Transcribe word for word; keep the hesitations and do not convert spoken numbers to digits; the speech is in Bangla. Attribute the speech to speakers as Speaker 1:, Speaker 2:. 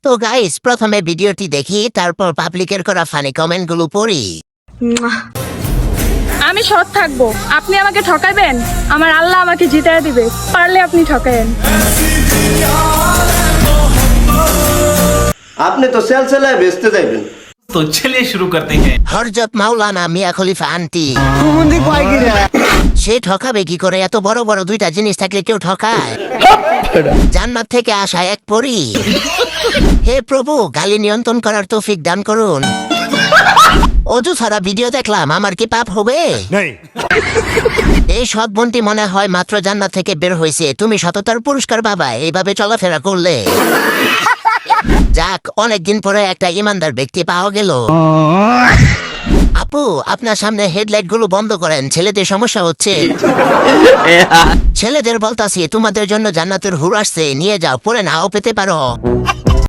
Speaker 1: তো গাইস, প্রথমে ভিডিওটি দেখি, তারপর পাবলিকের করা ফানি কমেন্ট গুলো পড়ি।
Speaker 2: আমি সৎ থাকবো, আপনি আমাকে ঠকাবেন, আমার আল্লাহ আমাকে জিতায় দিবে, পারলে আপনি ঠকায়েন।
Speaker 3: আপনি তো সেল সেলায় বেচতে যাইবেন।
Speaker 4: तो चलिए शुरू करते हैं।
Speaker 1: হরজত মাওলানা মিয়া খলিফা আন্টি সে ঠকাবে কি করে? এত বড় বড় দুইটা জিনিস থাকলে কেউ ঠকায়? জান্নাত থেকে আসা এক পরী। হে প্রভু, গালি নিয়ন্ত্রণ করার তৌফিক দান করুন। অজু ছাড়া ভিডিও দেখলাম, আমার কি পাপ হবে? এই সৎ বোনটি মনে হয় মাত্র জান্নাত থেকে বের হয়েছে। তুমি সততার পুরস্কার বাবা, এইভাবে চলাফেরা করলে। যাক, অনেকদিন পরে একটা ইমানদার ব্যক্তি পাওয়া গেল। আপু, আপনার সামনে হেডলাইট গুলো বন্ধ করেন, ছেলেদের সমস্যা হচ্ছে। ছেলেদের বলতাছি, তোমাদের জন্য জান্নাতের হুর আসছে, নিয়ে যাও, পরে নাও পেতে পারো।